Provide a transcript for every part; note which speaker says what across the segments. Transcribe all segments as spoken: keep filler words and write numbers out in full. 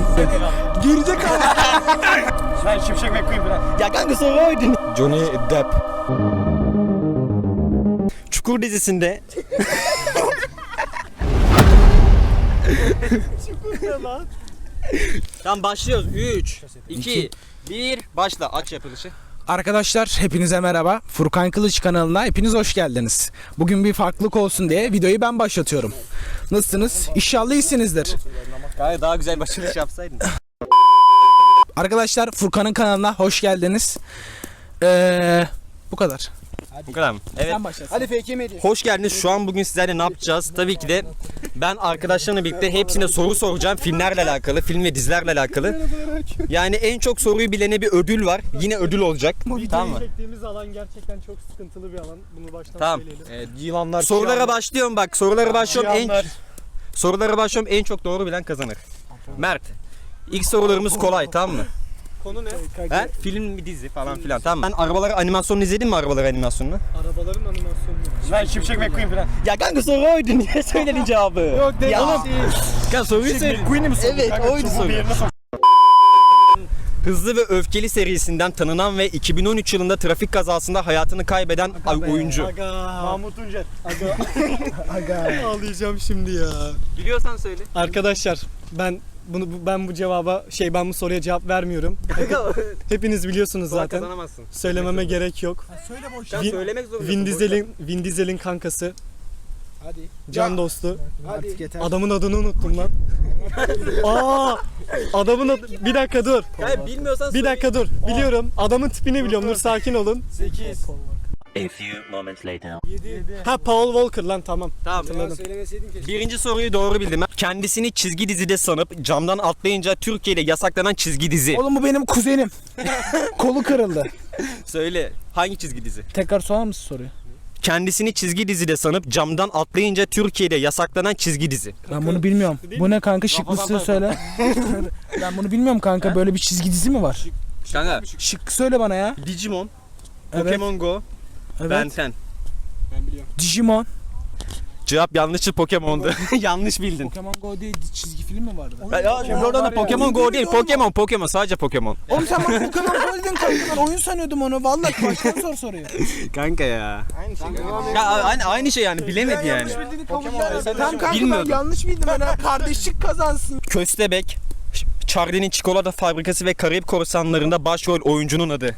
Speaker 1: Girecek ama.
Speaker 2: Ben Şimşek McQueen falan.
Speaker 1: Ya kanka soru oydu.
Speaker 2: Johnny Depp. Çukur dizisinde Tamam başlıyoruz. üç, iki, bir, başla. Aç yapılışı.
Speaker 1: Arkadaşlar hepinize merhaba. Furkan Kılıç kanalına hepiniz hoş geldiniz. Bugün bir farklılık olsun diye videoyu ben başlatıyorum. Nasılsınız? İnşallah iyisinizdir.
Speaker 2: Gayet daha güzel başlangıç yapsaydın.
Speaker 1: Arkadaşlar Furkan'ın kanalına hoş geldiniz. Ee, bu kadar.
Speaker 2: Bu kadar mı? Evet.
Speaker 1: Sen başlasın.
Speaker 3: Hadi fake mi?
Speaker 2: Hoş geldiniz. Şu an bugün sizlerle ne yapacağız? Tabii ki de ben arkadaşlarımla birlikte hepsine soru soracağım. Filmlerle alakalı, film ve dizilerle alakalı. Yani en çok soruyu bilene bir ödül var. Yine ödül olacak. Tamam mı?
Speaker 4: Çektiğimiz alan gerçekten çok sıkıntılı bir alan. Bunu baştan
Speaker 2: Tamam.
Speaker 4: söyleyelim.
Speaker 2: Evet,
Speaker 4: Yılanlar,
Speaker 2: sorulara başlıyorum bak. Sorulara başlıyorum. En
Speaker 4: Cihanlar.
Speaker 2: sorulara başlıyorum. En çok doğru bilen kazanır. Mert. İlk sorularımız kolay, tamam mı?
Speaker 4: Konu ne?
Speaker 2: He? Film bir dizi falan filan, tamam mı? Sen arabaları animasyonunu izledin mi, arabaları animasyonunu?
Speaker 4: Arabaların animasyonu.
Speaker 2: Ben Şimşek McQueen falan. Ya kanka soru oydu, niye söyledin cevabı?
Speaker 4: Yok değil
Speaker 2: Ya.
Speaker 4: oğlum.
Speaker 2: Ya soruyu söyle. McQueen'i mi sordun?
Speaker 1: Evet,
Speaker 2: Kanka,
Speaker 1: oydu
Speaker 2: çubuğu
Speaker 1: soru.
Speaker 2: bir yerine sok. Hızlı ve Öfkeli serisinden tanınan ve iki bin on üç yılında trafik kazasında hayatını kaybeden
Speaker 1: Aga be.
Speaker 2: oyuncu.
Speaker 4: Aga.
Speaker 2: Mahmut Tuncer.
Speaker 4: Aga.
Speaker 1: Aga.
Speaker 4: Ağlayacağım şimdi ya.
Speaker 2: Biliyorsan söyle.
Speaker 4: Arkadaşlar ben bunu bu- ben bu cevaba şey ben bu soruya cevap vermiyorum. Hepiniz biliyorsunuz zaten.
Speaker 2: Kazanamazsın.
Speaker 4: Söylememe gerek yok.
Speaker 1: Söyle boş.
Speaker 2: Sen
Speaker 4: Vin-
Speaker 2: söylemek zorundasın.
Speaker 4: Vin Diesel'in Vin Diesel'in kankası,
Speaker 1: Hadi.
Speaker 4: can dostu.
Speaker 1: Artık yeter.
Speaker 4: Adamın adını unuttum lan. Aa! Adamın adı... Bir dakika dur.
Speaker 2: Hayır, bilmiyorsan
Speaker 4: Bir
Speaker 2: söyle.
Speaker 4: dakika dur. Biliyorum. Adamın tipini biliyorum. Dur sakin olun.
Speaker 2: sekiz.
Speaker 5: A few moments later.
Speaker 4: Ha Paul Walker lan tamam.
Speaker 2: Tamam.
Speaker 4: Hatırladım.
Speaker 2: Birinci soruyu doğru bildim. Kendisini çizgi dizide sanıp camdan atlayınca Türkiye'de yasaklanan çizgi dizi.
Speaker 1: Oğlum bu benim kuzenim. Kolu kırıldı.
Speaker 2: Söyle. Hangi çizgi dizi?
Speaker 1: Tekrar sorar mısın soruyu?
Speaker 2: Kendisini çizgi dizide sanıp camdan atlayınca Türkiye'de yasaklanan çizgi dizi.
Speaker 1: Ben bunu bilmiyorum. Bu ne kanka, şıklısı söyle. Ben bunu bilmiyorum kanka, böyle bir çizgi dizi mi var?
Speaker 2: Kanka.
Speaker 1: Şık söyle bana ya.
Speaker 2: Digimon,
Speaker 1: Evet.
Speaker 2: Pokemon Go,
Speaker 1: Evet.
Speaker 2: Ben on.
Speaker 1: Digimon.
Speaker 2: Cevap yanlıştı, Pokemon'du. Yanlış bildin.
Speaker 1: Pokemon Go diye di- çizgi film mi vardı?
Speaker 2: Ya, ya, şimdi oradan da Pokemon Go değil, Pokemon, Pokemon, sadece Pokemon.
Speaker 1: Oğlum sen bana Pokemon Go dedin kanka, ben oyun sanıyordum onu. Vallahi baştan sor soruyu.
Speaker 2: Kanka ya. Aynı şey. Ya aynı aynı şey yani, bilemedi yani.
Speaker 1: Tamam kanka,
Speaker 2: Bilmiyordum.
Speaker 1: ben yanlış bildim. Ben kardeşlik kazansın.
Speaker 2: Köstebek, Charlie'nin çikolata fabrikası ve Karayip Korsanları'nda başrol oyuncunun adı.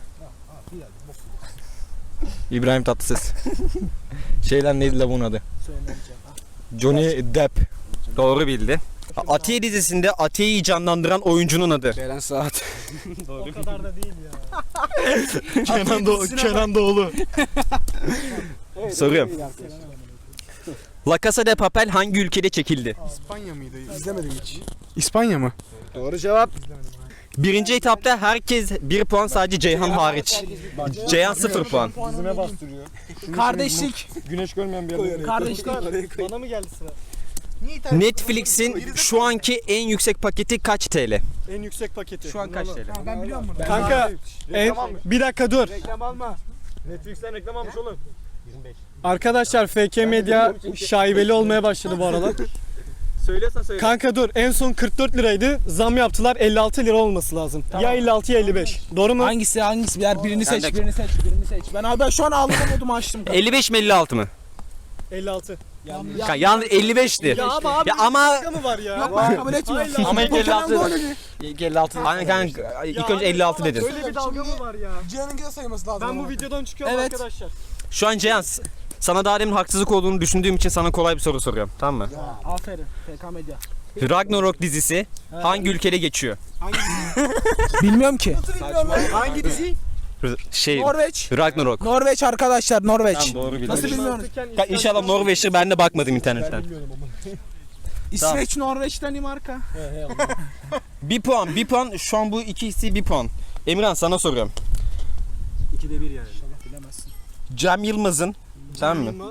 Speaker 2: İbrahim Tatlıses. Şeyler neydi la bunun adı? Johnny Depp. Doğru bildi. Atiye dizisinde Atiye'yi canlandıran oyuncunun adı.
Speaker 1: Beren Saat.
Speaker 4: O kadar da değil ya. Kenan, Doğu, Kenan Doğulu.
Speaker 2: Soruyorum. La Casa de Papel hangi ülkede çekildi?
Speaker 3: İspanya mıydı? İzlemedim hiç. İspanya mı? Doğru cevap.
Speaker 2: Birinci etapta herkes bir puan, sadece Ceyhan hariç. Ceyhan sıfır puan.
Speaker 4: Dizime bastırıyor.
Speaker 1: Kardeşlik.
Speaker 4: Güneş görmeyen bir adam.
Speaker 1: Kardeşlik.
Speaker 4: Bana mı geldi sıra?
Speaker 2: Netflix'in şu anki en yüksek paketi kaç T L?
Speaker 4: En yüksek paketi.
Speaker 2: Şu an kaç T L?
Speaker 1: Ben biliyorum bunu.
Speaker 4: Kanka en, bir dakika dur.
Speaker 3: Reklam alma.
Speaker 4: Netflix'ten reklam almış oğlum. Arkadaşlar F K Medya şaibeli olmaya başladı bu aralar.
Speaker 2: Söylüyorsan söyle.
Speaker 4: Kanka dur, en son kırk dört liraydı. Zam yaptılar, elli altı lira olması lazım. Ya elli altı ya elli beş. Doğru mu?
Speaker 1: Hangisi hangisi? Birer birini seç,
Speaker 2: de-
Speaker 1: birini seç, birini seç. Ben abi ben şu an ağlama modumu açtım.
Speaker 2: elli beş mi elli altı mı?
Speaker 4: elli altı.
Speaker 2: Ya, yalnız elli beşti.
Speaker 4: Ya ama abi
Speaker 2: Ya ama
Speaker 4: şaka mı var ya?
Speaker 1: Yok ben kabul etmiyorum.
Speaker 2: ama ilk elli
Speaker 1: Pokemon
Speaker 2: altı.
Speaker 1: Go dedi.
Speaker 2: İlk elli altı. Aynen kanka. İlk önce elli altı dedin.
Speaker 4: Böyle bir dalga mı var ya?
Speaker 3: Cihan'ın da sayılması lazım.
Speaker 4: Ben bu videodan çıkıyorum
Speaker 1: Evet.
Speaker 4: arkadaşlar.
Speaker 2: Şu an Ceyhan, sana daha demin haksızlık olduğunu düşündüğüm için sana kolay bir soru soruyorum. Tamam mı?
Speaker 1: Aferin F K Medya.
Speaker 2: Ragnarok dizisi hangi ülkede geçiyor?
Speaker 1: Bilmiyorum ki.
Speaker 4: Hangi dizi?
Speaker 2: R- Şey,
Speaker 1: Norveç.
Speaker 2: Ragnarok.
Speaker 1: Norveç arkadaşlar, Norveç.
Speaker 2: Tamam, doğru bildin.
Speaker 1: Nasıl bilmiyorum?
Speaker 2: Ya İnşallah Norveç'tir, ben de bakmadım internetten.
Speaker 1: İsveç, Norveç, Danimarka.
Speaker 2: Bir puan, bir puan. Şu an bu ikisi bir puan. Emirhan, sana soruyorum.
Speaker 4: ikide bir yani.
Speaker 1: Bilemezsin.
Speaker 2: Cem Yılmaz'ın, tamam mı?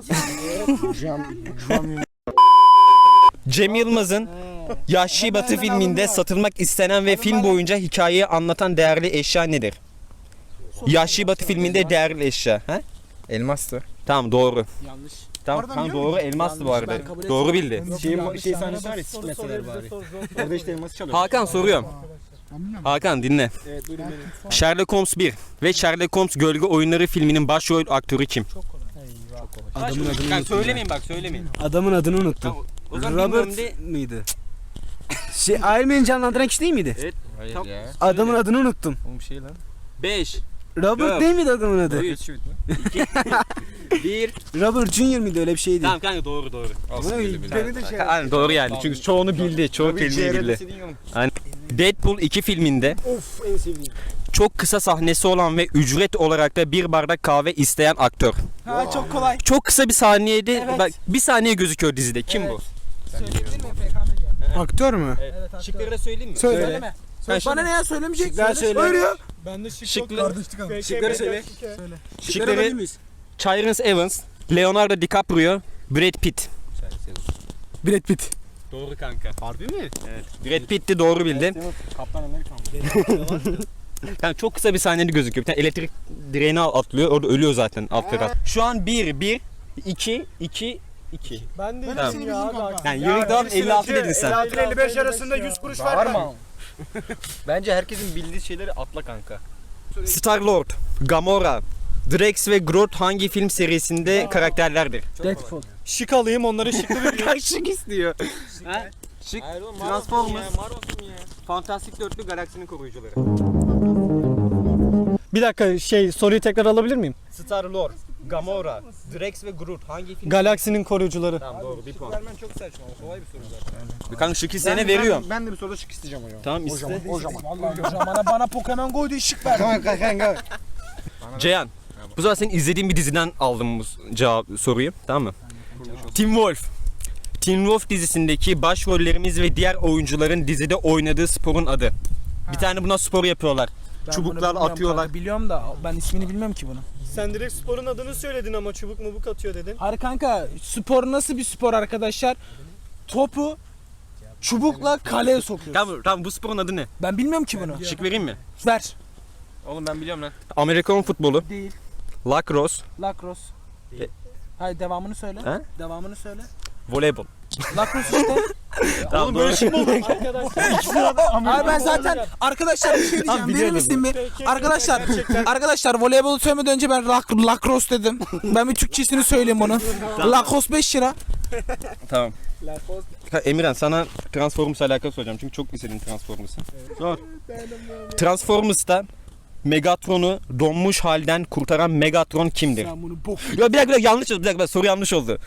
Speaker 2: Cem Yılmaz'ın Yahşi Batı filminde satılmak istenen ve film boyunca hikayeyi anlatan değerli eşya nedir? Yahşi Batı filminde değerli eşya. He? Elmastı. Tamam, doğru.
Speaker 1: Yanlış.
Speaker 2: Tamam,
Speaker 3: Oradan
Speaker 2: tamam
Speaker 3: biliyor
Speaker 2: doğru elmastı bu arada.
Speaker 1: Ben kabul
Speaker 2: Doğru bildi.
Speaker 3: Şey, şey sahnesi var ya sikmeseler bari. Orada işte elması çalıyor.
Speaker 2: Hakan soruyorum.
Speaker 3: Ben bilmiyorum.
Speaker 2: Hakan dinle.
Speaker 3: Evet buyurun benim.
Speaker 2: Sherlock Holmes bir ve Sherlock Holmes Gölge Oyunları filminin başrol aktörü kim?
Speaker 3: Adamın adını
Speaker 2: Ben
Speaker 3: unuttum.
Speaker 2: söylemeyin bak söylemeyin.
Speaker 3: Adamın adını unuttum.
Speaker 2: Tamam, o zaman
Speaker 3: Robert
Speaker 2: bilmiyorum de-
Speaker 3: mıydı? Şey Iron Man'i canlandıran kişi değil miydi?
Speaker 2: Evet. Tam-
Speaker 3: Adamın adını unuttum.
Speaker 6: Oğlum şey lan.
Speaker 2: beş,
Speaker 3: Robert
Speaker 2: Dört.
Speaker 3: değil miydi adamın adı?
Speaker 2: üç, bir.
Speaker 3: Robert Junior mıydı öyle bir şeydi?
Speaker 2: Tamam kanka doğru doğru.
Speaker 3: Bunu beni de şey.
Speaker 2: Aynen doğru yani. Çünkü çoğunu bildi. Çoğu kelimeyi bildi. Aynen. Deadpool iki filminde
Speaker 3: Of en sevdiğim.
Speaker 2: çok kısa sahnesi olan ve ücret olarak da bir bardak kahve isteyen aktör.
Speaker 1: Ha çok kolay.
Speaker 2: Çok kısa bir saniyede
Speaker 1: Evet.
Speaker 2: bak bir saniye gözüküyor dizide. Kim
Speaker 1: Evet.
Speaker 2: bu?
Speaker 1: Söyleyebilir miyim F K M G?
Speaker 3: Aktör mü?
Speaker 1: Evet aktör.
Speaker 2: Şıkları da söyleyeyim mi?
Speaker 3: Söyle.
Speaker 1: Söyleme.
Speaker 2: Ben
Speaker 1: Bana ne ya söylemeyecek?
Speaker 3: Şıklar söyle.
Speaker 1: Söyle ya.
Speaker 4: Ben de şık
Speaker 2: Şıklı-
Speaker 4: yok.
Speaker 3: Şıkları söyle.
Speaker 2: Şıkları Tyrese Evans, Leonardo DiCaprio, Brad Pitt.
Speaker 3: Brad Pitt.
Speaker 2: Doğru kanka.
Speaker 3: Harbi mi?
Speaker 2: Brad Pitt'ti doğru bildi.
Speaker 3: Kaptan Amerikan mı?
Speaker 2: Yani çok kısa bir saniyede gözüküyor. Bir tane elektrik direğine atlıyor. Orada ölüyor zaten alt taraf. Şu an bir, bir, iki, iki, iki.
Speaker 4: Ben de
Speaker 2: Tamam.
Speaker 4: iyiyim ya abi.
Speaker 2: Yani yürek devam elli altı dedin sen.
Speaker 4: elli altı elli beş arasında yüz kuruş var mı?
Speaker 6: Bence herkesin bildiği şeyleri atla kanka.
Speaker 2: Star-Lord, Gamora, Drax ve Groot hangi film serisinde karakterlerdir?
Speaker 1: Deadpool.
Speaker 4: Şık alayım onları şıklı vereyim.
Speaker 2: Şık istiyor. Ha? Şık. Transformers. Fantastik Dörtlü Galaksinin Koruyucuları.
Speaker 4: Bir dakika şey soruyu tekrar alabilir miyim?
Speaker 2: Star-Lord, Gamora, Drax ve Groot hangi film?
Speaker 4: Galaksinin koruyucuları.
Speaker 2: Tamam doğru bir puan.
Speaker 3: Vermen çok saçma. Kolay bir soru zaten.
Speaker 2: Bir kanka şık isteyene veriyorum.
Speaker 3: Ben de bir soruda şık isteyeceğim hocam.
Speaker 2: Tamam iste.
Speaker 3: O zaman.
Speaker 1: Vallahi hocam bana, bana Pokemon Go diye şık ver.
Speaker 3: Tamam kanka.
Speaker 2: Ceyhan. Bu sefer senin izlediğin bir diziden aldım bu cevap soruyu. Tamam mı? Teen Wolf. Teen Wolf dizisindeki başrollerimiz ve diğer oyuncuların dizide oynadığı sporun adı. Bir tane buna spor yapıyorlar.
Speaker 1: Ben
Speaker 2: Çubuklar
Speaker 1: bunu bilmiyorum
Speaker 2: atıyorlar.
Speaker 1: kanka, biliyorum da ben ismini bilmiyorum ki bunun.
Speaker 4: Sen direkt sporun adını söyledin ama çubuk mubuk atıyor dedin.
Speaker 1: Hayır kanka spor nasıl bir spor arkadaşlar? Topu çubukla kaleye sokuyor.
Speaker 2: Tamam, tamam bu sporun adı ne?
Speaker 1: Ben bilmiyorum ki bunu.
Speaker 2: Şık vereyim mi?
Speaker 1: Ver.
Speaker 6: Oğlum ben biliyorum lan.
Speaker 2: Amerikan futbolu,
Speaker 1: Değil.
Speaker 2: lacrosse,
Speaker 1: Lacrosse.
Speaker 2: E-
Speaker 1: Hayır devamını söyle.
Speaker 2: He?
Speaker 1: Devamını söyle.
Speaker 2: voleybol.
Speaker 1: Lacrosse işte.
Speaker 2: Tamam böyle şey
Speaker 4: Arkadaşlar.
Speaker 1: Hayır ben zaten arkadaşlar bir şey diyeceğim. Verir misin bir?
Speaker 4: Peki,
Speaker 1: Arkadaşlar,
Speaker 4: gerçekten-
Speaker 1: arkadaşlar voleybolu söylemeden önce ben lac- lacrosse dedim. Ben bir Türkçesini söyleyeyim bunun. Lacrosse beş lira.
Speaker 2: Tamam. Ha, Emirhan sana Transformers'la alakalı soracağım çünkü çok istedin Transformers'ı. Sor. Transformers'ta Megatron'u donmuş halden kurtaran Megatron kimdir?
Speaker 1: Sen bunu bok.
Speaker 2: Ya bir dakika, bir dakika yanlış oldu. Bir dakika soru yanlış oldu.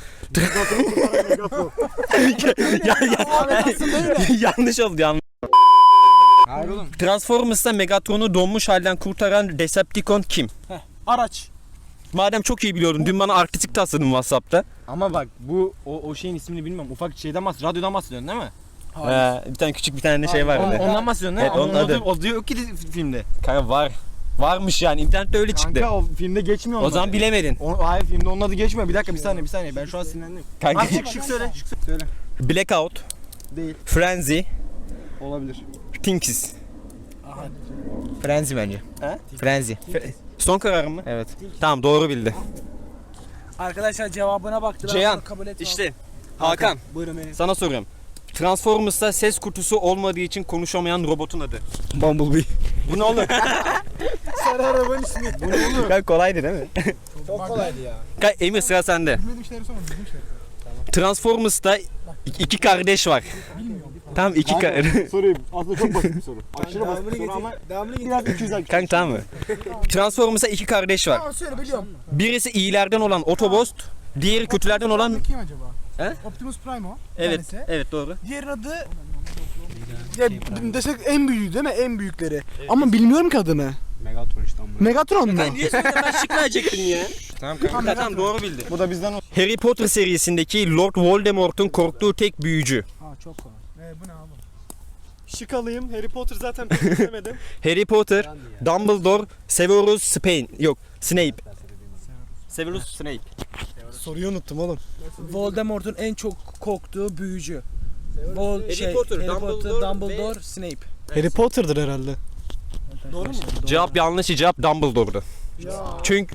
Speaker 2: ya, ya, yanlış oldu yanlış.
Speaker 3: Hayır oğlum.
Speaker 2: Transformers'ta Megatron'u donmuş halden kurtaran Decepticon kim?
Speaker 1: Araç.
Speaker 2: Madem çok iyi biliyordun dün bana artistik tasladın WhatsApp'ta.
Speaker 6: Ama bak bu o, o şeyin ismini bilmiyorum. Ufak şeyden bahsediyorsun. Radyodan bahsediyorsun değil mi?
Speaker 2: Ee, bir tane küçük bir tane şey var.
Speaker 6: On,
Speaker 2: orada.
Speaker 6: ondan bahsediyorsun değil mi?
Speaker 2: Evet, onun
Speaker 6: Ama
Speaker 2: adı.
Speaker 6: O, o diyor yok ki filmde.
Speaker 2: Kanka var. Varmış yani internette öyle çıktı.
Speaker 6: Kanka o filmde geçmiyor
Speaker 2: O
Speaker 6: onun
Speaker 2: zaman
Speaker 6: adı.
Speaker 2: bilemedin.
Speaker 6: O, hayır filmde onun adı geçmiyor. Bir dakika bir saniye bir saniye. Ben şu an sinirlendim.
Speaker 2: Kanka.
Speaker 6: Abi şık şık söyle. Şık söyle.
Speaker 2: Blackout,
Speaker 6: Değil.
Speaker 2: Frenzy,
Speaker 6: Olabilir.
Speaker 2: Tinkies. Frenzy bence.
Speaker 6: He?
Speaker 2: Frenzy. Fre- Son kararın mı? Evet. Tamam doğru bildi.
Speaker 1: Arkadaşlar cevabına baktılar.
Speaker 2: Ceyhan,
Speaker 1: bunu kabul etmem.
Speaker 2: İşte Hakan
Speaker 3: Buyurun benim.
Speaker 2: sana soruyorum. Transformers'ta ses kutusu olmadığı için konuşamayan robotun adı.
Speaker 3: Bumblebee.
Speaker 2: Bu ne olur?
Speaker 3: Sarı arabanın ismi. Bu ne olur?
Speaker 2: Kanka kolaydı değil mi?
Speaker 3: Çok kolaydı ya.
Speaker 2: Kanka Emir sıra sende.
Speaker 3: Bilmediğim şeyleri sorma. Bildiğim şeyleri.
Speaker 2: Transformers'ta iki kardeş var. Tamam iki kardeş.
Speaker 6: Sorayım. Aslında çok basit bir soru. Aşırı basit bir soru ama
Speaker 3: Devamını getir.
Speaker 6: biraz iki yüz I Q.
Speaker 2: Kanka tamam mı? Transformers'ta iki kardeş var.
Speaker 3: Tamam söyle biliyorum.
Speaker 2: Birisi iyilerden olan Autobot, diğeri kötülerden olan...
Speaker 3: Kim acaba?
Speaker 2: He?
Speaker 3: Optimus Prime o. bir
Speaker 2: Evet,
Speaker 3: tanesi.
Speaker 2: evet doğru.
Speaker 3: Diğerinin adı... Ya desek en büyüğü değil mi? En büyükleri. Ama bilmiyorum ki adını.
Speaker 6: Megatron işte ama.
Speaker 3: Megatron mu?
Speaker 2: Niye söyledin ben şık verecektin ya?
Speaker 6: Tamam
Speaker 2: Tamam, tamam doğru bildi.
Speaker 6: Bu da bizden o.
Speaker 2: Harry Potter serisindeki Lord Voldemort'un korktuğu tek büyücü.
Speaker 1: Ha çok kolay.
Speaker 3: Ee, bu ne abi?
Speaker 4: Şık alayım. Harry Potter zaten pek izlemedim.
Speaker 2: Harry Potter, Dumbledore, Severus Snape. Yok, Snape. Severus Snape.
Speaker 4: Soruyu unuttum oğlum.
Speaker 1: Voldemort'un en çok korktuğu büyücü. Vol
Speaker 2: Harry
Speaker 1: şey,
Speaker 2: Potter,
Speaker 1: Harry
Speaker 2: Dumbledore
Speaker 1: Potter, Dumbledore,
Speaker 2: ve-
Speaker 1: Snape.
Speaker 4: Harry Potter'dır herhalde.
Speaker 1: Doğru mu?
Speaker 2: Cevap yanlış, cevap Dumbledore'du. Çünkü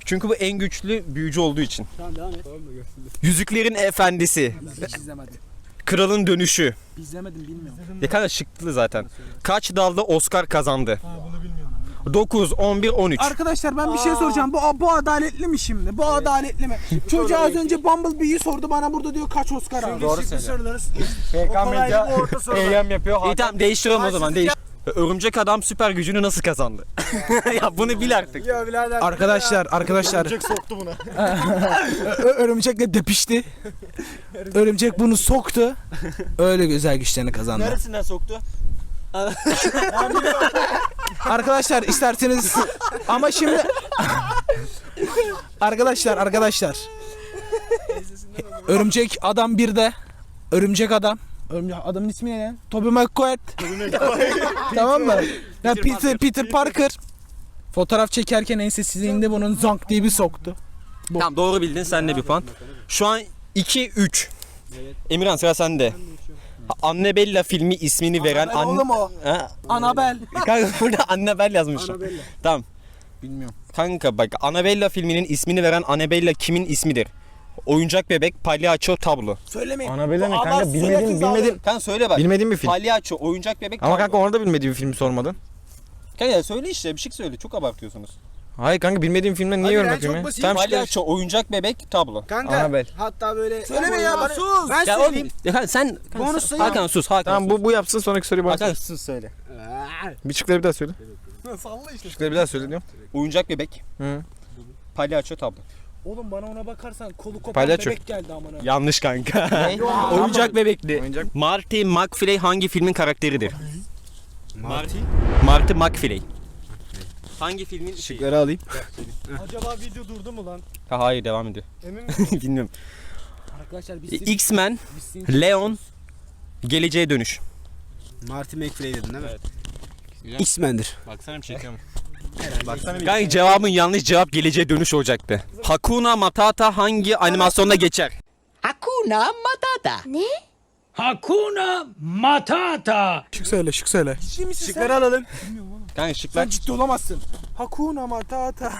Speaker 2: Çünkü bu en güçlü büyücü olduğu için.
Speaker 3: Tamam devam et.
Speaker 2: Yüzüklerin Efendisi.
Speaker 3: Hiç izlemedim.
Speaker 2: Kralın Dönüşü.
Speaker 3: İzlemedim bilmiyorum.
Speaker 2: Ne kadar şıklı zaten. Kaç dalda Oscar kazandı?
Speaker 3: Ha bunu bilmiyorum.
Speaker 2: dokuz, on bir, on üç.
Speaker 3: Arkadaşlar ben bir şey soracağım. Bu bu adaletli mi şimdi? Bu adaletli mi? Çocuğa az önce Bumblebee'yi sordu. Bana burada diyor kaç Oscar aldı.
Speaker 6: Doğru söylüyor. P K Medya eylem yapıyor.
Speaker 2: İyi tamam değiştirelim o zaman. Değiş. Örümcek Adam süper gücünü nasıl kazandı? Ya bunu bil artık.
Speaker 3: Ya birader.
Speaker 1: Arkadaşlar arkadaşlar
Speaker 6: Örümcek soktu buna.
Speaker 1: Ö- örümcekle depişti. Örümcek bunu soktu. Öyle güzel güçlerini kazandı.
Speaker 2: Neresinden soktu?
Speaker 1: Arkadaşlar isterseniz ama şimdi arkadaşlar arkadaşlar Örümcek Adam birde Örümcek Adam Örümcek Adamın ismi ne lan? Tobey Maguire. Tamam mı? Ya Peter Peter Parker fotoğraf çekerken ensesizliğinde bunun zank diye bir soktu.
Speaker 2: Tamam doğru bildin sen de bir puan. Şu an iki üç. Emirhan sıra sende. Annabella filmi ismini veren
Speaker 3: Annabelle oğlum o.
Speaker 2: Ha?
Speaker 3: Annabelle.
Speaker 2: Kanka burada Annabelle yazmışlar.
Speaker 3: Annabelle.
Speaker 2: Tamam.
Speaker 1: Bilmiyorum.
Speaker 2: Kanka bak Annabella filminin ismini veren Annabella kimin ismidir? Oyuncak bebek, palyaço, tablo.
Speaker 3: Söylemeyin.
Speaker 6: Annabelle ne
Speaker 3: Bu
Speaker 6: kanka
Speaker 3: adam
Speaker 6: bilmediğim
Speaker 3: sürekli
Speaker 6: bilmediğim
Speaker 2: Kanka söyle bak.
Speaker 6: bilmediğim bir film.
Speaker 2: Palyaço, oyuncak bebek,
Speaker 6: Ama
Speaker 2: tablo.
Speaker 6: kanka orada bilmediğim bir film sormadın.
Speaker 2: Kanka söyle işte bir şey söyle çok abartıyorsunuz.
Speaker 6: Hayır kanka bilmediğim filmden niye
Speaker 3: Hadi
Speaker 6: yorum
Speaker 3: lan,
Speaker 6: yapayım
Speaker 3: çok
Speaker 6: ya?
Speaker 3: basit.
Speaker 6: Tamam işte.
Speaker 2: Palyaço, oyuncak bebek, tablo.
Speaker 3: Kanka.
Speaker 6: Annabelle.
Speaker 3: Hatta böyle. Söyleme ya bana. Sus. Ben
Speaker 2: Ya oğlum,
Speaker 3: söyleyeyim.
Speaker 2: ya kanka sen
Speaker 3: Bonus sayı.
Speaker 2: Hakan sus Hakan.
Speaker 6: Tamam bu bu yapsın sonraki soruyu bana
Speaker 2: Hakan
Speaker 6: sor.
Speaker 2: sus söyle.
Speaker 6: Bir şıkları bir daha söyle.
Speaker 3: Salla işte.
Speaker 6: Şıkları bir daha söyle diyorum.
Speaker 2: Oyuncak bebek,
Speaker 6: Hı.
Speaker 2: palyaço, tablo.
Speaker 3: Oğlum bana ona bakarsan kolu kopan
Speaker 6: Palyaço.
Speaker 3: bebek geldi amına.
Speaker 2: Yanlış kanka. oyuncak bebekli.
Speaker 6: Oyuncak.
Speaker 2: Marty McFly hangi filmin karakteridir? Marty? Marty McFly. Hangi filmin şeyi?
Speaker 6: Şıkları alayım.
Speaker 4: Acaba video durdu mu lan?
Speaker 2: Ha, hayır devam ediyor.
Speaker 4: Emin misin?
Speaker 2: Bilmiyorum.
Speaker 3: Arkadaşlar biz
Speaker 2: X-Men, Leon, Geleceğe Dönüş.
Speaker 3: Marty McFly dedin değil mi?
Speaker 2: Evet.
Speaker 3: X-Men'dir.
Speaker 2: Baksana bir çekiyorum. Baksana bir. Kanka cevabın yanlış cevap Geleceğe Dönüş olacaktı. Hakuna Matata hangi animasyonda geçer?
Speaker 7: Hakuna Matata.
Speaker 3: Şık söyle, şık söyle. Ciddi misin
Speaker 2: Şıkları alalım. Kanka şıklar.
Speaker 3: Sen ciddi olamazsın. Hakuna Matata.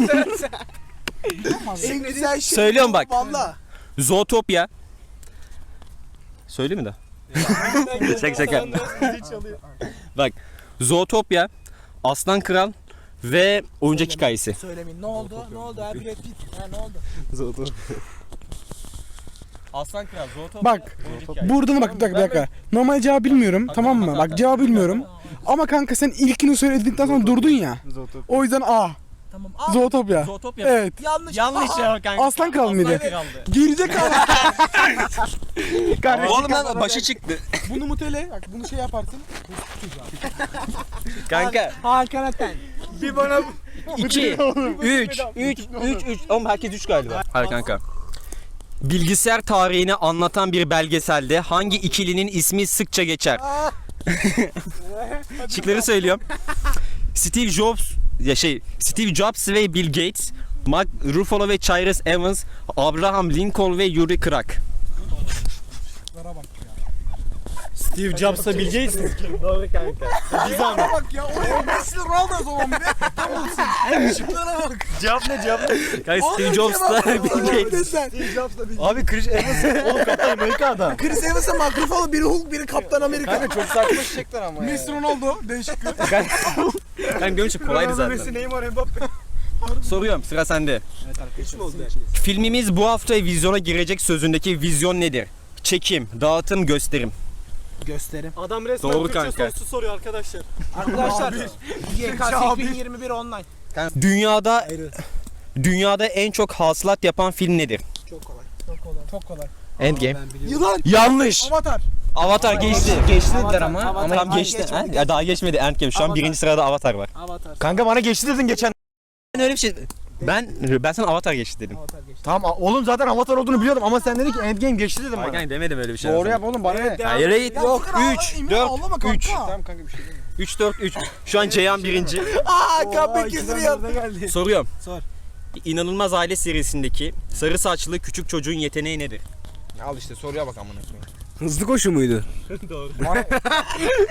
Speaker 3: En güzel şey.
Speaker 2: Söylüyorum bak.
Speaker 3: Valla.
Speaker 2: Zootopia. Söyle mi de? şaka şaka. Bak. Zootopia, Aslan Kral ve Oyuncak Hikayesi.
Speaker 3: Söylemeyin. Ne oldu? Ne oldu? Ha Brad Pitt. Ha ne oldu?
Speaker 2: Aslan Kral, Zootopia.
Speaker 3: Bak. Buradan bak bir dakika, bir dakika. Normal cevabı bilmiyorum, tamam mı? Bak cevabı bilmiyorum. Ama kanka sen ilkini söyledikten sonra durdun ya. O yüzden A.
Speaker 8: Tamam.
Speaker 3: Zootopia.
Speaker 2: Zootopia.
Speaker 3: Evet.
Speaker 8: Yanlış.
Speaker 2: Yanlış ya kanka.
Speaker 3: Aslan Kral mıydı?
Speaker 2: Kraldı.
Speaker 3: Gerizekalı. Kardeşim.
Speaker 2: Oğlum lan başı çıktı.
Speaker 3: Bunu mutele. Bak bunu şey yaparsın.
Speaker 2: Kanka.
Speaker 3: Hakan Aten. Bir bana
Speaker 2: iki, üç, üç, üç, üç. Oğlum herkes üç galiba. Hayır kanka. Bilgisayar tarihini anlatan bir belgeselde hangi ikilinin ismi sıkça geçer? Şıkları söylüyorum. Steve Jobs, ya şey, Steve Jobs ve Bill Gates, Mark Ruffalo ve Cyrus Evans, Abraham Lincoln ve Yuri Krak.
Speaker 4: Steve Jobs'la Bill Gates mi?
Speaker 2: Doğru kanka.
Speaker 3: bak ya. Oraya Messi Ronaldo o zaman bir de. Tam olsun. Şıklara bak.
Speaker 2: Cevap ne cevap? Kanka Steve Jobs'la Bill Gates.
Speaker 6: Abi Chris Evans oğlum Kaptan Amerika adam.
Speaker 3: Chris Evans'a Mark Ruffalo, biri Hulk, biri Kaptan Amerika.
Speaker 6: Kanka çok saçma şıklar ama ya.
Speaker 3: Messi Ronaldo. Değişik.
Speaker 2: Kanka görünce kolaydı zaten.
Speaker 3: Neymar, Mbappe.
Speaker 2: Soruyorum sıra sende.
Speaker 3: Hiç mi oldu?
Speaker 2: Filmimiz bu hafta vizyona girecek sözündeki vizyon nedir? Çekim, dağıtım, gösterim.
Speaker 3: Gösterim.
Speaker 4: Adam resmen
Speaker 2: Doğru
Speaker 4: Türkçe
Speaker 2: kanka.
Speaker 4: sorusu soruyor arkadaşlar.
Speaker 3: Arkadaşlar Y K S iki bin yirmi bir online.
Speaker 2: Dünyada dünyada en çok hasılat yapan film nedir?
Speaker 3: Çok kolay. Çok kolay. Çok kolay.
Speaker 6: Endgame.
Speaker 3: Yılan.
Speaker 2: Yanlış.
Speaker 3: Avatar.
Speaker 2: Avatar geçti.
Speaker 6: Geçti dediler ama.
Speaker 3: Avatar.
Speaker 6: ama
Speaker 2: Tam geçti. Ha? Ya daha geçmedi Endgame. Şu an
Speaker 3: Avatar.
Speaker 2: birinci sırada Avatar var.
Speaker 3: Avatar.
Speaker 6: Kanka bana geçti dedin geçen.
Speaker 2: Ben öyle bir şey ben ben sana Avatar geçti dedim.
Speaker 3: Avatar geçti.
Speaker 6: Tamam oğlum zaten Avatar olduğunu biliyordum ama sen dedin ki Endgame geçti dedim bana.
Speaker 2: Hayır demedim öyle bir şey.
Speaker 6: Doğru yap oğlum bana ne?
Speaker 2: Hayır hayır.
Speaker 3: Yok
Speaker 2: üç, dört, üç.
Speaker 6: Tamam kanka bir şey değil.
Speaker 2: üç, dört, üç. Şu an Ceyhan birinci.
Speaker 3: Aaa kapı kesiliyor. Geldi.
Speaker 2: Soruyorum.
Speaker 3: Sor.
Speaker 2: İnanılmaz Aile serisindeki sarı saçlı küçük çocuğun yeteneği nedir?
Speaker 6: Al işte soruya bak amına koyayım.
Speaker 3: Hızlı koşu muydu?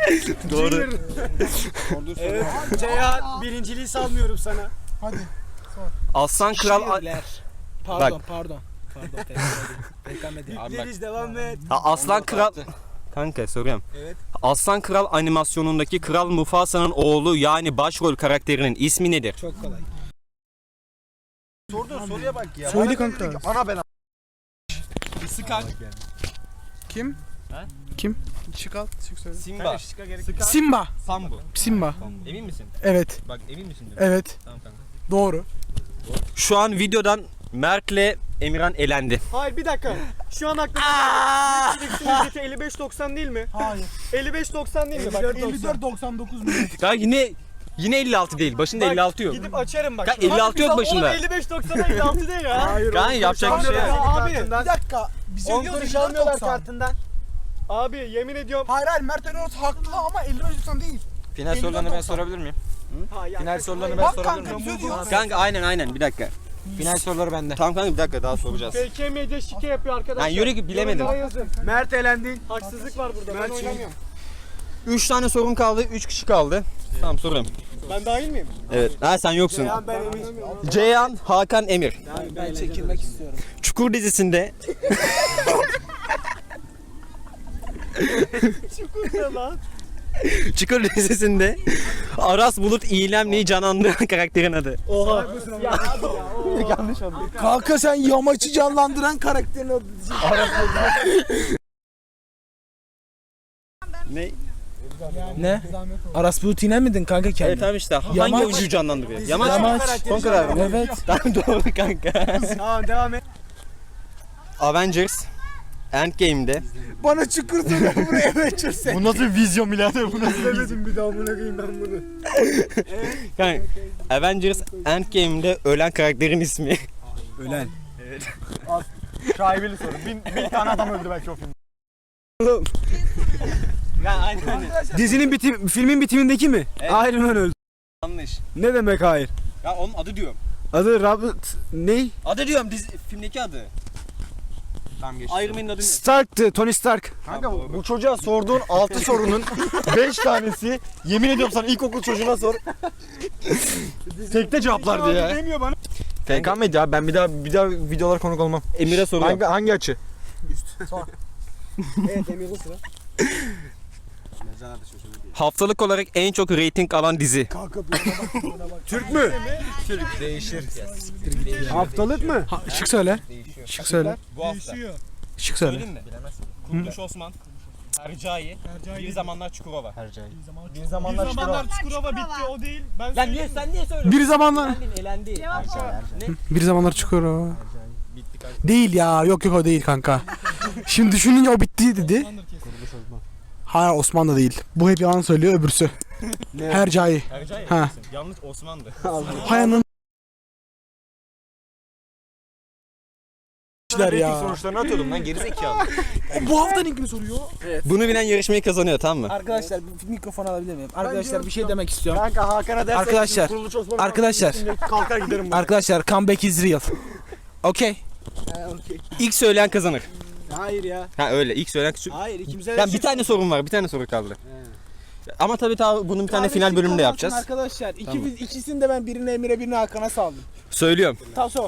Speaker 2: Doğru.
Speaker 4: Evet. Ceyhan birinciliği salmıyorum sana.
Speaker 3: Hadi.
Speaker 2: Aslan Kral
Speaker 1: Şiirler. Pardon
Speaker 2: Bak.
Speaker 1: pardon. Pardon tekrar edeyim. Tekrar edeyim.
Speaker 2: Abi bak.
Speaker 4: devam et.
Speaker 2: Ha, Aslan Kral Kanka soruyorum.
Speaker 4: Evet.
Speaker 2: Aslan Kral animasyonundaki Kral Mufasa'nın oğlu yani başrol karakterinin ismi nedir?
Speaker 1: Çok kolay.
Speaker 6: Sorduğun soruya bak ya.
Speaker 3: Söyle
Speaker 6: Bana
Speaker 3: kanka.
Speaker 6: dedi ki, Ana ben
Speaker 2: Sıkar.
Speaker 3: Kim?
Speaker 2: Ha?
Speaker 3: Kim? Çık al, çık söyle.
Speaker 2: Simba.
Speaker 3: Simba.
Speaker 2: Sambu.
Speaker 3: Simba.
Speaker 2: Emin misin?
Speaker 3: Evet.
Speaker 2: Bak emin misin?
Speaker 3: Evet.
Speaker 2: Tamam kanka.
Speaker 3: Doğru.
Speaker 2: Şu an videodan Mert'le Emirhan elendi.
Speaker 4: Hayır bir dakika. Şu an aklımda Netflix'in ücreti elli beş doksan değil mi?
Speaker 3: Hayır.
Speaker 4: elli beş doksan değil mi? Bak
Speaker 3: elli dört doksan dokuz milyon.
Speaker 2: Kanka yine yine elli altı değil. Başında
Speaker 4: Bak,
Speaker 2: elli altı yok.
Speaker 4: Gidip açarım bak.
Speaker 2: Kanka elli altı yok başında.
Speaker 4: Oğlum elli beş doksan elli altı değil ya. Hayır.
Speaker 2: Kanka yapacak bir şey yok.
Speaker 4: Abi.
Speaker 3: Bir dakika. Bize
Speaker 4: On
Speaker 3: diyor
Speaker 4: kuruş
Speaker 3: elli dört
Speaker 4: almıyorlar
Speaker 3: doksan.
Speaker 4: kartından. Abi yemin ediyorum.
Speaker 3: Hayır hayır Mert Eroğlu haklı ama elli beş doksan değil.
Speaker 6: Final sorularını ben sorabilir miyim?
Speaker 4: Ha, ya,
Speaker 6: Final sorularını ben
Speaker 3: Bak
Speaker 6: sorabilir
Speaker 3: kanka
Speaker 6: miyim?
Speaker 3: bize diyor.
Speaker 2: Kanka aynen aynen bir dakika.
Speaker 6: Final soruları bende.
Speaker 2: Tamam kanka bir dakika daha soracağız.
Speaker 4: F K M'de şike yapıyor arkadaşlar.
Speaker 2: Yani yürü git, bilemedim.
Speaker 4: Yorumlara yazın. Mert elendin. Haksızlık var burada. Ben oynamıyorum.
Speaker 2: üç tane sorun kaldı. üç kişi kaldı. Tamam soruyorum.
Speaker 4: Ben dahil miyim?
Speaker 2: Evet. Ha sen yoksun.
Speaker 4: Ben eminim.
Speaker 2: Ceyhan, Hakan, Emir.
Speaker 1: Ben çekilmek istiyorum.
Speaker 2: Çukur dizisinde
Speaker 4: Çukur lan.
Speaker 2: Çukur dizisinde Aras Bulut İylemli'yi canlandıran karakterin adı.
Speaker 4: Oha. Ya,
Speaker 6: Yanlış oldu.
Speaker 1: Kanka sen yamaçı canlandıran karakterin adı diyeceksin.
Speaker 2: Ne?
Speaker 1: Ne? Aras Bulut İynem miydin kanka kendin?
Speaker 2: Evet tamam işte. Hangi
Speaker 1: Yamaç.
Speaker 2: oyuncuyu canlandırıyor? Yamaç.
Speaker 1: Yamaç.
Speaker 2: Son karar mı?
Speaker 1: Evet.
Speaker 2: Tamam doğru kanka.
Speaker 4: Tamam devam et.
Speaker 2: Avengers Endgame'de
Speaker 1: Bana çukur soruyor buraya geçirse.
Speaker 6: Bu nasıl bir vizyon birader? Bu nasıl
Speaker 4: Demedim bir daha amına koyayım ben bunu.
Speaker 2: kanka, Avengers Endgame'de ölen karakterin ismi.
Speaker 6: Ölen. Evet. Şaibeli soru. Bin, bin tane adam öldü belki o filmde.
Speaker 2: Ya aynen.
Speaker 6: Dizinin bitim, filmin bitimindeki mi?
Speaker 2: Evet.
Speaker 6: Iron Man öldü.
Speaker 2: Yanlış.
Speaker 6: Ne demek hayır?
Speaker 2: Ya onun adı diyorum.
Speaker 6: Adı Robert ne?
Speaker 2: Adı diyorum dizi filmdeki adı. Tamam geçti. Iron Man'in adı ne?
Speaker 6: Stark'tı, Tony Stark. Kanka
Speaker 2: Tamam, doğru.
Speaker 6: bu çocuğa sorduğun altı sorunun beş tanesi yemin ediyorum sana ilkokul çocuğuna sor. Tekte cevaplardı ya.
Speaker 4: Demiyor bana.
Speaker 6: F K Medya abi ben bir daha bir daha videolara konuk olmam.
Speaker 2: Emir'e soruyorum.
Speaker 6: Hangi hangi açı?
Speaker 4: Evet Emir'de sıra.
Speaker 2: Haftalık olarak en çok reyting alan dizi.
Speaker 6: Türk mü? Haftalık mı?
Speaker 3: Ha, şık söyle. Şık söyle.
Speaker 2: Bu hafta.
Speaker 4: Değişiyor.
Speaker 3: Şık söyle.
Speaker 2: Söyleyeyim mi? Kurtuluş Osman, Hercai, Bir Zamanlar Çukurova.
Speaker 6: Bir
Speaker 4: Bir
Speaker 6: zamanlar
Speaker 4: zamanlar Çukurova bitti o değil. Ben
Speaker 2: Lan niye sen niye söylüyorsun?
Speaker 3: Bir zamanlar
Speaker 2: Elendi. Elendi.
Speaker 3: bir zamanlar çıkıyor o. Değil ya. Yok yok o değil kanka. Şimdi düşününce o bitti dedi. Hayır Osman da değil. Bu hep yalan söylüyor öbürsü. Hercai.
Speaker 2: Hercai
Speaker 3: Ha.
Speaker 2: yanlış Osman'dı.
Speaker 3: Hayanın ya.
Speaker 6: sonuçlarını atıyordum lan gerizekalı.
Speaker 3: Bu haftanın ilgini soruyor.
Speaker 2: Bunu bilen yarışmayı kazanıyor tamam mı?
Speaker 1: Arkadaşlar bir mikrofon alabilir miyim? Arkadaşlar bir şey demek istiyorum.
Speaker 6: Kanka Hakan'a dersen
Speaker 1: Arkadaşlar,
Speaker 6: Kuruluş Osman
Speaker 1: arkadaşlar.
Speaker 6: kalkar giderim buradan.
Speaker 1: Arkadaşlar comeback is real. Okey.
Speaker 2: İlk söyleyen kazanır.
Speaker 4: Hayır ya.
Speaker 2: Ha öyle ilk söyleyen
Speaker 4: Hayır ikimize
Speaker 2: Ben bir tane sorun var. Bir tane soru kaldı. Ama tabii tabii bunun bir tane final bölümünde yapacağız.
Speaker 1: Arkadaşlar iki,
Speaker 2: Tamam.
Speaker 1: ikisini de ben birine Emir'e birine Hakan'a saldım.
Speaker 2: Söylüyorum.
Speaker 1: Taso.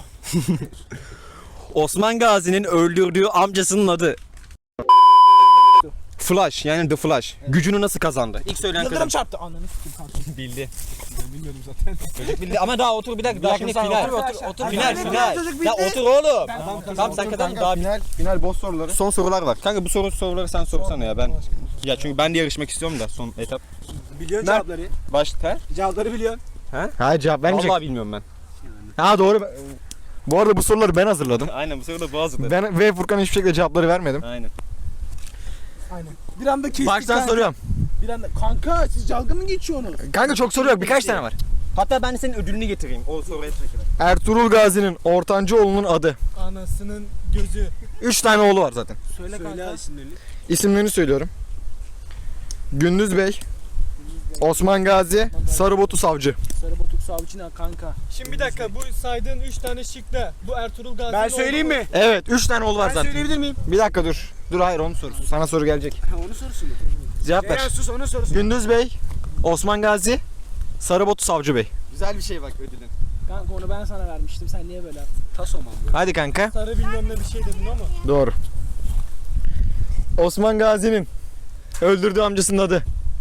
Speaker 2: Osman Gazi'nin öldürdüğü amcasının adı. Flash yani The Flash. Gücünü nasıl kazandı? İlk söyleyen
Speaker 1: Yıldırım
Speaker 2: kazandı.
Speaker 1: çarptı. Ananı sikeyim kanka.
Speaker 2: Bildi. Ben bilmiyordum zaten. Çocuk bildi ama daha otur bir dakika. Daha şimdi
Speaker 6: sen
Speaker 2: final.
Speaker 6: otur, otur,
Speaker 2: otur. Final final. Ya otur oğlum. Tamam sen kadar daha
Speaker 6: Final, final boss soruları.
Speaker 2: son sorular var. Kanka bu soru soruları sen sorsana ya ben. Ya çünkü ben de yarışmak istiyorum da son etap.
Speaker 4: Biliyorsun
Speaker 2: Mert-
Speaker 4: cevapları.
Speaker 2: Başta.
Speaker 4: Cevapları biliyorsun.
Speaker 6: Ha cevap vermeyecek.
Speaker 2: Vallahi bilmiyorum ben.
Speaker 6: Ha doğru. Bu arada bu soruları ben hazırladım.
Speaker 2: Aynen bu soruda boğazdı.
Speaker 6: Ben ve Furkan hiçbir şekilde cevapları vermedim.
Speaker 2: Aynen.
Speaker 1: Bir anda kestik
Speaker 6: Baştan
Speaker 1: kanka.
Speaker 6: soruyorum.
Speaker 1: Bir anda kanka siz dalga mı geçiyorsunuz?
Speaker 6: Kanka çok soru yok. Birkaç tane var.
Speaker 2: Hatta ben senin ödülünü getireyim. O soruya çekelim.
Speaker 6: Ertuğrul Gazi'nin ortancı adı.
Speaker 4: Anasının gözü.
Speaker 6: Üç tane oğlu var zaten.
Speaker 1: Söyle kanka.
Speaker 4: isimlerini.
Speaker 6: İsimlerini söylüyorum. Gündüz Bey, Osman Gazi, Sarıbotu Savcı.
Speaker 1: Sarı botuk savcı ne kanka?
Speaker 4: Şimdi bir dakika bu saydığın üç tane şıkta bu Ertuğrul Gazi'nin
Speaker 1: Ben söyleyeyim mi?
Speaker 6: Evet, üç tane oğlu var
Speaker 1: Ben
Speaker 6: zaten.
Speaker 1: söyleyebilir miyim?
Speaker 6: Bir dakika dur. Dur hayır onun sorusu. Sana soru gelecek.
Speaker 1: Onu sorusun.
Speaker 6: Cevap ver.
Speaker 1: sus onu sorusun.
Speaker 6: Gündüz Bey, Osman Gazi, Sarıbotu Savcı Bey.
Speaker 2: Güzel bir şey bak ödülün.
Speaker 1: Kanka onu ben sana vermiştim. Sen niye böyle yaptın? Taso mu?
Speaker 6: Hadi kanka.
Speaker 4: Sarı bilmem ne bir şey dedin ama.
Speaker 6: Doğru. Osman Gazi'nin öldürdüğü amcasının adı.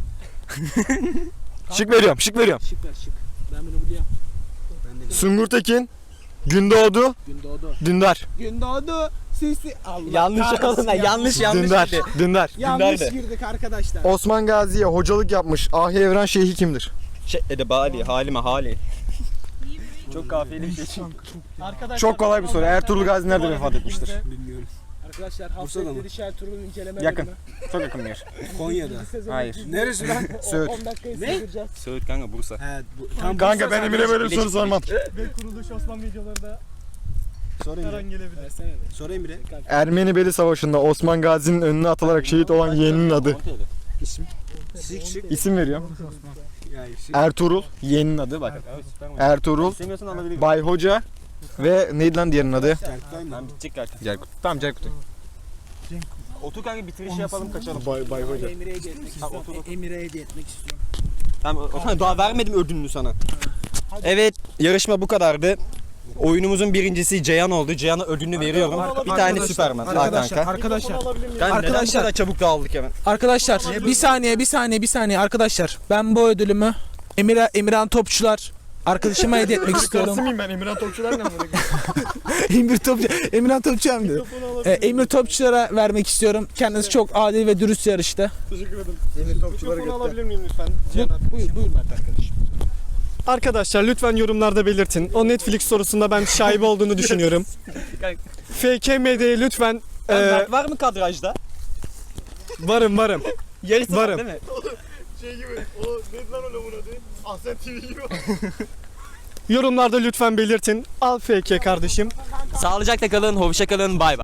Speaker 6: Şık veriyorum, şık veriyorum.
Speaker 1: Şık ver şık. Ben bunu biliyorum.
Speaker 6: Sungur Tekin, Gündoğdu,
Speaker 1: Gündoğdu.
Speaker 6: Dündar.
Speaker 1: Gündoğdu. Sisi. Allah
Speaker 2: Yanlış
Speaker 1: kahretsin
Speaker 2: oğlum
Speaker 1: ya.
Speaker 2: yanlış yanlış.
Speaker 6: Dündar,
Speaker 2: dedi.
Speaker 6: Dündar.
Speaker 1: Yanlış
Speaker 2: Gündoğdu.
Speaker 1: girdik arkadaşlar.
Speaker 6: Osman Gazi'ye hocalık yapmış Ahi Evren Şeyhi kimdir?
Speaker 2: Şey Edebali, Halime Hali. Çok kafiyeli bir şey.
Speaker 4: Arkadaşlar,
Speaker 6: Çok kolay bir soru. Ertuğrul Gazi nerede vefat etmiştir?
Speaker 1: Arkadaşlar Hasretleri Şertuğrul inceleme
Speaker 6: Yakın.
Speaker 1: bölümü.
Speaker 6: Çok yakın bir yer.
Speaker 1: Konya'da.
Speaker 6: Hayır.
Speaker 1: Neresi lan?
Speaker 6: Söğüt.
Speaker 1: on dakikayı sığdıracağız.
Speaker 2: Söğüt kanka Bursa.
Speaker 6: Kanka ben Emir'e böyle bir soru sormam.
Speaker 4: Ve kuruluş Osman videolarında her an gelebilir.
Speaker 1: Versene de.
Speaker 8: Sorayım bile.
Speaker 6: Ermeni Beli Savaşı'nda Osman Gazi'nin önüne atılarak şehit olan yeğeninin adı.
Speaker 8: Şık şık.
Speaker 6: İsim veriyorum.
Speaker 8: Ya şık.
Speaker 6: Ertuğrul, yeğeninin adı bak. Ertuğrul,
Speaker 2: İstemiyorsan alabilirim.
Speaker 6: Bay Hoca ve neydi lan diğerinin adı?
Speaker 8: Erkutay mı?
Speaker 2: Tamam bitecek artık.
Speaker 6: Cerkut. Tamam Cerkut.
Speaker 2: Otur kanka bitirişi yapalım kaçalım.
Speaker 6: Bay, Bay Hoca.
Speaker 1: Emir'e hediye etmek istiyorum. Emir'e hediye etmek istiyorum.
Speaker 2: Tamam o zaman daha vermedim ödülünü sana. Evet yarışma bu kadardı. Oyunumuzun birincisi Ceyhan oldu. Ceyhan'a ödülünü veriyorum. Bir tane Süperman. Al
Speaker 1: Arkadaşlar,
Speaker 2: kanka.
Speaker 1: arkadaşlar,
Speaker 2: Kanka neden bu
Speaker 1: arkadaşlar.
Speaker 2: kadar çabuk dağıldık hemen?
Speaker 1: arkadaşlar bir saniye, bir saniye, bir saniye arkadaşlar. Ben bu ödülümü Emir Emirhan Topçular arkadaşıma hediye etmek istiyorum.
Speaker 6: mıyım ben? Emirhan Topçular ne?
Speaker 1: Emir Topçu, Emirhan Topçu hem de. Ee, Emir Topçulara vermek istiyorum. Kendisi çok adil ve dürüst yarıştı.
Speaker 4: Teşekkür ederim.
Speaker 6: Emir Topçuları
Speaker 4: Mikrofonu alabilir miyim lütfen?
Speaker 1: Bu, buyur, buyur Mert arkadaşım.
Speaker 4: Arkadaşlar lütfen yorumlarda belirtin. O Netflix sorusunda ben şaibe olduğunu düşünüyorum. F K M D'ye lütfen
Speaker 2: Ee,
Speaker 4: e,
Speaker 2: Mert var mı kadrajda?
Speaker 4: varım varım.
Speaker 2: Yarısı var
Speaker 4: Varım.
Speaker 2: değil mi?
Speaker 6: Şey gibi, o neydi lan o lavuğun adı? Ahsen T V gibi.
Speaker 4: Yorumlarda lütfen belirtin. Al F K kardeşim.
Speaker 2: Sağlıcakla kalın, hoşça kalın, bay bay.